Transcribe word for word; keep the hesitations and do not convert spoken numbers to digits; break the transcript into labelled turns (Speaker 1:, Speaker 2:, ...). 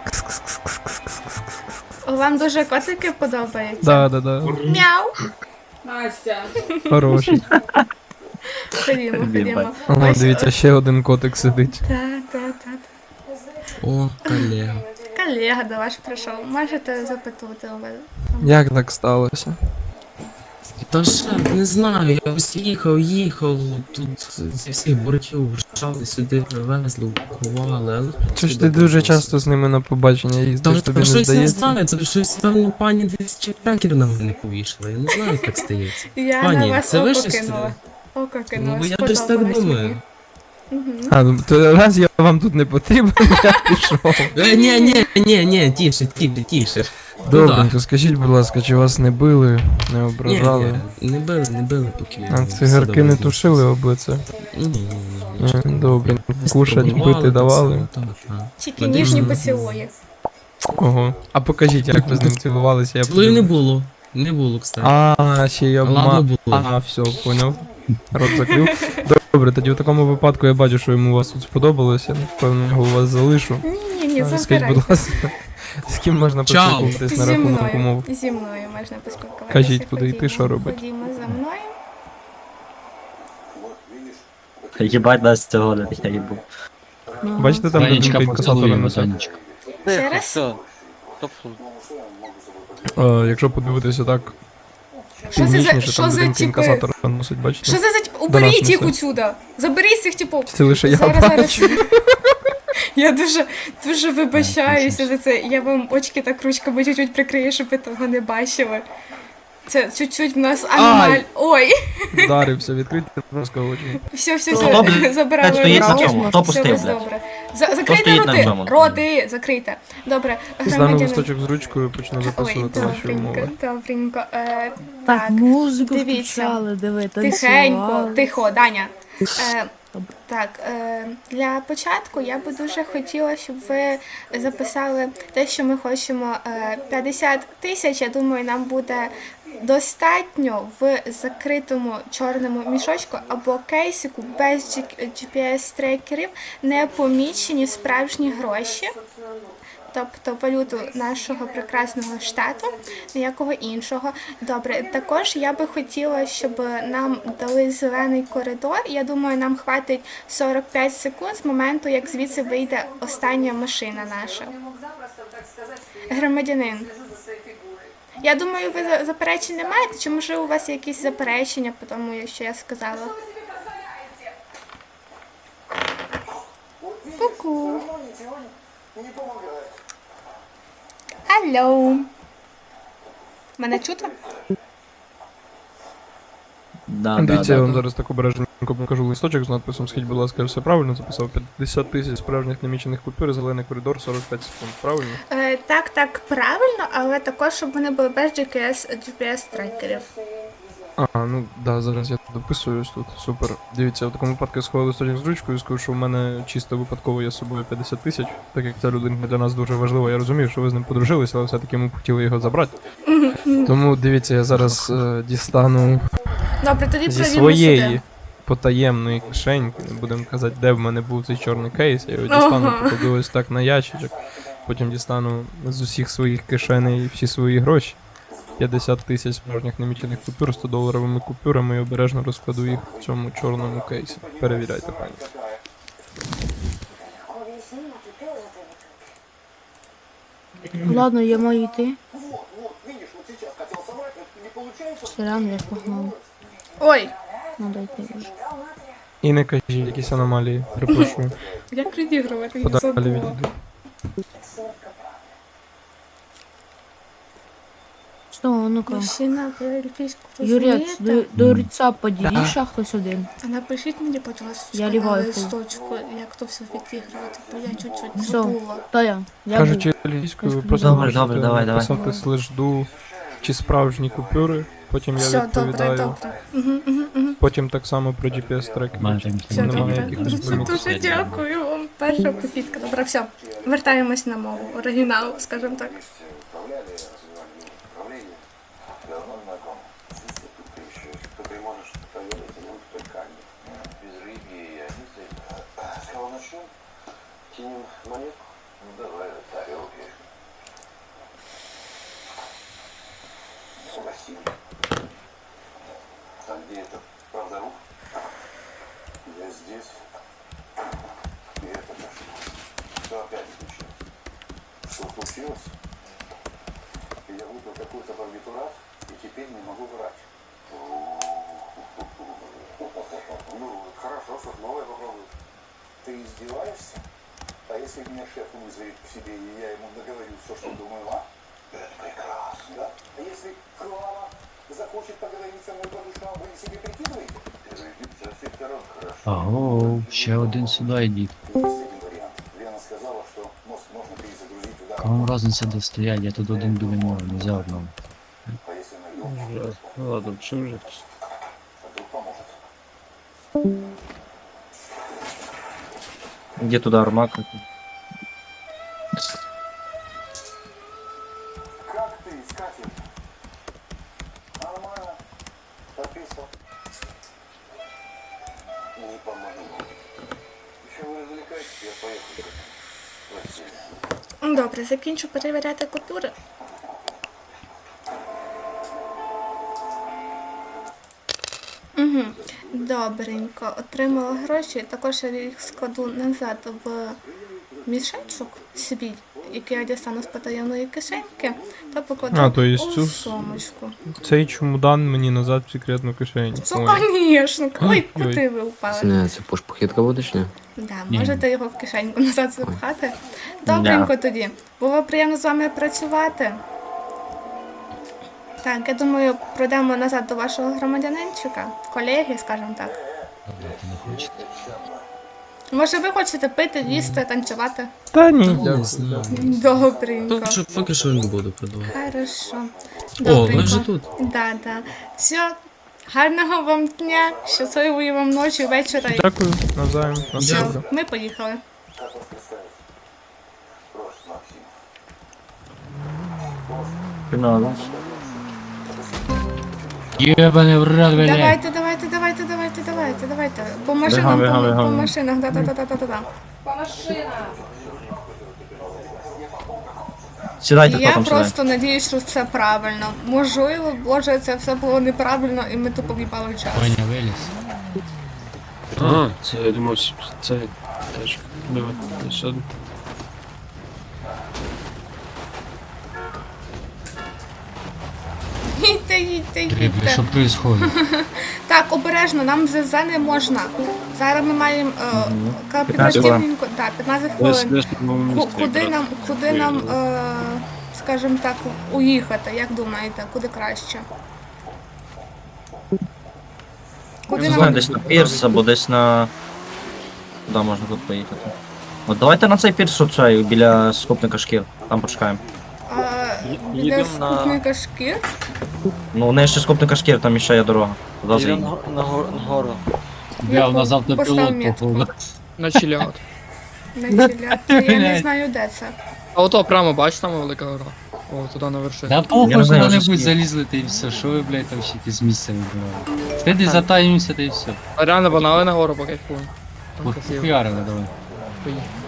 Speaker 1: Вам дуже котики подобаються?
Speaker 2: Да, да, да.
Speaker 1: Мяу.
Speaker 3: Настя.
Speaker 2: Хороший.
Speaker 1: Ходімо, ходімо.
Speaker 2: Ага,
Speaker 1: Ось,
Speaker 2: дивіться, ще один котик сидить.
Speaker 1: Так, так, так.
Speaker 4: О, колега.
Speaker 1: Колега до вас прийшов. Можете запитувати у мене.
Speaker 2: Як так сталося?
Speaker 4: Та ж не знаю, я ось їхав, їхав, тут зі всіх боротів врушали, сюди привезли, упакували, але...
Speaker 2: Чи ж ти дуже часто з ними на побачення їздиш,
Speaker 4: Та
Speaker 2: тобі не
Speaker 4: щось не
Speaker 2: здається?
Speaker 4: знаю, це щось, певно, пані десь чекерів на мене повішала, я не знаю, як так стається.
Speaker 1: Я
Speaker 4: Пані,
Speaker 1: на вас
Speaker 4: це ви
Speaker 1: око
Speaker 4: щось
Speaker 1: кинула. Око кинула.
Speaker 4: Ну, бо я десь так
Speaker 1: сподобалось
Speaker 4: думаю.
Speaker 1: мені. Мгм.
Speaker 2: А, ну, то раз я вам тут не потрібен, я пішов.
Speaker 4: Е, ні, ні, ні, ні, тіше, тіше, тіше.
Speaker 2: Добренько, скажіть, будь ласка, чи вас не били, не
Speaker 4: Ні,
Speaker 2: ображали?
Speaker 4: ні, не били, не били поки.
Speaker 2: А
Speaker 4: все
Speaker 2: цигарки не
Speaker 4: добре.
Speaker 2: тушили об лице?
Speaker 4: Ні, ні, ні,
Speaker 2: Е,
Speaker 4: ні.
Speaker 2: Добре. Кушать,
Speaker 4: Спробували,
Speaker 2: пити
Speaker 4: так
Speaker 2: давали?
Speaker 4: само, Так, так.
Speaker 1: Тільки
Speaker 4: Один
Speaker 1: ніжні
Speaker 4: з-
Speaker 1: поцілуї.
Speaker 2: Ого. А покажіть, як ви з ним цілувалися, я
Speaker 4: Цілую не
Speaker 2: подивлюсь.
Speaker 4: було, не було, кстати.
Speaker 2: А, ще й
Speaker 4: Ладно
Speaker 2: обма...
Speaker 4: було.
Speaker 2: А, все, поняв. Рот закрив. Добре, тоді в такому випадку я бачу, що йому у вас тут сподобалося, я напевно його у вас залишу.
Speaker 1: Ні, ні, ні,
Speaker 2: А, Скажіть, будь
Speaker 1: забирайте.
Speaker 2: ласка, з ким можна
Speaker 4: Чао.
Speaker 2: поспілкуватись на
Speaker 1: Зі
Speaker 2: рахунок
Speaker 1: мною.
Speaker 2: умов?
Speaker 1: Зі мною можна поспілкуватися.
Speaker 2: Кажіть, куди йти,
Speaker 1: Ходімо,
Speaker 2: що робити?
Speaker 1: Ходімо за мною.
Speaker 5: Єбать нас цього не я їбу.
Speaker 2: Бачите, там
Speaker 6: Сонечка,
Speaker 2: людинка інкасатора
Speaker 6: поцілуємо,
Speaker 2: несе.
Speaker 6: Сонечка.
Speaker 1: Ще раз?
Speaker 7: Все.
Speaker 2: Е, Якщо подивитися так,
Speaker 1: Що це за-
Speaker 2: північніше,
Speaker 1: що
Speaker 2: там
Speaker 1: за
Speaker 2: людинка
Speaker 1: типи?
Speaker 2: інкасатора носить, бачите?
Speaker 1: Що це за тип? Уберіть їх
Speaker 2: несе.
Speaker 1: отсюда! Заберіть цих типів!
Speaker 2: Це лише я
Speaker 1: Зараз, зараз.
Speaker 2: бачу.
Speaker 1: Я дуже, дуже вибачаюся за це. Я вам очки так ручками чуть-чуть прикрию, щоб ви того не бачили. Це чуть-чуть в нас аномаль. Ой,
Speaker 2: Вдарився, відкрийте, будь ласка, очі.
Speaker 1: все, все,
Speaker 5: Хто, блядь,
Speaker 1: все, забирали
Speaker 5: стоїть на
Speaker 1: руки.
Speaker 5: цьому? Хто
Speaker 1: Все,
Speaker 5: пустив,
Speaker 1: ось
Speaker 5: блядь?
Speaker 1: добре. За, закрийте
Speaker 5: стоїть на
Speaker 1: роти,
Speaker 5: цьому?
Speaker 1: роти, закрийте. Добре,
Speaker 2: Стану
Speaker 1: громадянин.
Speaker 2: листочок з ручкою, почну
Speaker 1: Ой,
Speaker 2: записувати ваші
Speaker 1: добренько,
Speaker 2: умови.
Speaker 1: добренько. Е,
Speaker 8: Так,
Speaker 1: так,
Speaker 8: музику
Speaker 1: дивіться.
Speaker 8: включали, диви,
Speaker 1: тихенько,
Speaker 8: танцювали.
Speaker 1: тихо, Даня. Е,
Speaker 8: Добре.
Speaker 1: так, е, для початку я би дуже хотіла, щоб ви записали те, що ми хочемо. Е, п'ятдесят тисяч, я думаю, нам буде достатньо в закритому чорному мішочку або кейсику без джі пі ес-трекерів, не помічені справжні гроші. Тобто валюту нашого прекрасного штату, ніякого іншого. Добре, також я би хотіла, щоб нам дали зелений коридор. Я думаю, нам хватить сорок п'ять секунд з моменту, як звідси вийде остання машина наша. Громадянин. Я думаю, ви за- заперечень не маєте? Чи може у вас є якісь заперечення по тому, що я сказала? Ку-ку. Алло. Мене чути?
Speaker 5: Да, да,
Speaker 2: Дивіться, я
Speaker 5: да,
Speaker 2: вам
Speaker 5: да.
Speaker 2: зараз так обережненько покажу листочок з надписом «Скажіть, будь ласка, я все правильно записав? п'ятдесят тисяч справжніх намічених купюр, зелений коридор, сорок п'ять секунд. Правильно?
Speaker 1: Е, так, так, правильно, але також, щоб вони були без джі пі ес, джі пі ес-трекерів.
Speaker 2: А, ну да, зараз я дописуюсь тут. Супер. Дивіться, в такому випадку я сховав листочок з ручкою і скажу, що в мене чисто випадково є з собою п'ятдесят тисяч, так як ця людина для нас дуже важлива. Я розумію, що ви з ним подружилися, але все-таки ми б хотіли його забрати. Тому дивіться, я зараз е, дістану
Speaker 1: Добре, тоді
Speaker 2: зі
Speaker 1: провімо
Speaker 2: своєї
Speaker 1: сюди.
Speaker 2: потаємної кишеньки, не будемо казати, де в мене був цей чорний кейс, я його дістану,
Speaker 1: Ага.
Speaker 2: покладу ось так на ящичок, потім дістану з усіх своїх кишеней всі свої гроші. п'ятдесят тисяч справжніх намічених купюр сто доларовими купюрами і обережно розкладу їх в цьому чорному кейсі. Перевіряйте, пані.
Speaker 8: Ладно, я маю йти. Сорян, я погнав.
Speaker 1: Ой,
Speaker 8: Надо йти вже.
Speaker 2: І не кажіть якісь аномалії, припрошую.
Speaker 1: як відігрувати, я
Speaker 2: Подалі
Speaker 1: забула.
Speaker 2: відійду.
Speaker 8: Що, ну-ка.
Speaker 1: Мужчина, ви ельфійську
Speaker 8: Юрець, до,
Speaker 1: розумієте?
Speaker 8: до ріца подійди, ще хтось один.
Speaker 1: А напишіть мені, будь ласка,
Speaker 8: Я
Speaker 1: на
Speaker 8: ліваю.
Speaker 1: листочку, як то все відігрувати, бо я чуть-чуть
Speaker 8: Все,
Speaker 1: забула.
Speaker 8: то я. Я був.
Speaker 2: Кажучи англійською, ви просто
Speaker 5: Добре,
Speaker 2: можете
Speaker 5: добре, давай, давай.
Speaker 2: написати слеш ду чи справжні купюри, потім я
Speaker 1: Все, добре,
Speaker 2: відповідаю.
Speaker 1: добре. Угу, угу, угу.
Speaker 2: Потім так само про джі пі ес-трекер.
Speaker 6: Майже
Speaker 1: Все
Speaker 2: Немає
Speaker 1: добре.
Speaker 2: якихось
Speaker 1: Дуже,
Speaker 2: вимог.
Speaker 1: дуже дякую вам. Перша попітка. Добре, все. Вертаємось на мову. Оригінал, скажімо так.
Speaker 9: Кинем монетку? Ну давай, тарелки.
Speaker 3: Максим. А где этот правдоруб? Я здесь. И это дошло. Что опять случилось? Что случилось? Я выпил какой-то барбитурат и теперь не могу врать. Ну, хорошо, что новое попробую. Ты издеваешься? А если меня шеф вызовет к себе, и я ему договорю все, что думаю, а? Это прекрасно. Да? А если Клава захочет поговорить со мной по душам, вы себе прикидываете? Со всех сторон хорошо.
Speaker 5: Аго, ще один сюди йдіть.
Speaker 3: Есть один вариант. Лена сказала, что мост можно перезагрузить ударом.
Speaker 5: Кому разниця де стоять, я тут один біля нього, нельзя одному.
Speaker 3: А если найдем,
Speaker 5: Ну ладно, що вже?
Speaker 3: а вдруг поможет.
Speaker 5: Где туда армак?
Speaker 3: Как ты, искатель? Нормально. Подписал. Не помогу. Еще вы развлекаетесь, я поехал. Простите.
Speaker 1: Добре, закінчу перевіряти купюри. Угу. Добренько. Отримала гроші. Також я їх складу назад в мішечок свій, який я дістану з потаємної кишеньки, та покладу
Speaker 2: А, то есть
Speaker 1: у
Speaker 2: цю-
Speaker 1: сумочку.
Speaker 2: Цей чемодан мені назад в секретну кишеню.
Speaker 1: Ну,
Speaker 2: Ой.
Speaker 1: звісно. Ой,
Speaker 2: Ой.
Speaker 1: куди ви впали?
Speaker 6: Не, це пошпохідка будеш, ні?
Speaker 1: Да, можете його в кишеньку назад запхати. Добренько
Speaker 5: Да.
Speaker 1: тоді. Було приємно з вами працювати. Так, я думаю, пройдемо назад до вашого громадянинчика, колеги, скажімо так. Може, ви хочете пити, їсти, танцювати?
Speaker 2: Та ні,
Speaker 4: Не
Speaker 2: дякую.
Speaker 4: знаю.
Speaker 1: Добренько.
Speaker 4: Поки що, поки що не буду продавати.
Speaker 1: Хорошо.
Speaker 4: О, ви вже тут.
Speaker 1: Да, да. Все. Гарного вам дня, щасливої вам ночі, вечора.
Speaker 2: Дякую, навзаєм. На все
Speaker 1: Все,
Speaker 2: добре.
Speaker 1: ми поїхали.
Speaker 3: Как вас представить? Прошу, Максим.
Speaker 5: Фінал.
Speaker 4: Єбане в рот, блядь.
Speaker 1: Давайте, давайте, давайте, давайте, давайте, давайте. По машинам,
Speaker 5: бігам,
Speaker 1: по,
Speaker 5: бігам.
Speaker 1: по машинах, да, да, да, да, да, да.
Speaker 5: Сідайте
Speaker 1: Я
Speaker 5: потім сюди.
Speaker 1: просто надіюсь, що це правильно. Можливо, боже, це все було неправильно, і ми тупо в'їбали час.
Speaker 4: Ваня виліз.
Speaker 7: А, це я думав, це теж. Давай, ще один.
Speaker 1: Їдьте, їдьте,
Speaker 4: Бля,
Speaker 1: їдьте.
Speaker 4: що происходит?
Speaker 1: Так, обережно, нам ЗЗ не можна. Зараз ми маємо е, кооперативненько, так, п'ятнадцять
Speaker 7: Десь
Speaker 1: хвилин.
Speaker 7: десь на новому
Speaker 1: Ку-
Speaker 7: місці.
Speaker 1: Куди
Speaker 7: якраз.
Speaker 1: нам, куди нам, е, скажімо так, уїхати, як думаєте, куди краще? Куди
Speaker 5: Не
Speaker 1: нам
Speaker 5: знаю, десь на пірс або десь на... Куди можна тут поїхати? От давайте на цей пірс оцей, біля скупника шкір. Там почекаємо.
Speaker 1: е, біля
Speaker 5: їдемо на-
Speaker 1: скупника шкір?
Speaker 5: Ну, у неї ще скупника шкір, там ще є дорога. Туди
Speaker 7: Їдемо
Speaker 5: заїдемо.
Speaker 7: на, на, гор- на гору.
Speaker 4: Бля, у нас
Speaker 1: Постав
Speaker 4: автопілот,
Speaker 1: метку.
Speaker 4: походу.
Speaker 7: На чиліат.
Speaker 1: На чиляці, я не
Speaker 4: Блядь.
Speaker 1: знаю, де це.
Speaker 7: А ото прямо, бач, там велика гора. О, туди на вершині.
Speaker 4: Да
Speaker 5: Я
Speaker 4: похуй,
Speaker 5: не знаю, я вже
Speaker 4: куди-небудь
Speaker 5: скинув.
Speaker 4: залізли, та і все. Що ви, блядь, там ще якісь місця вибирали? Сиди, затаїмося, та і все.
Speaker 7: А реально банали на гору покайфуємо. Там красиво.
Speaker 4: Похуярили, давай.
Speaker 7: Поїхали.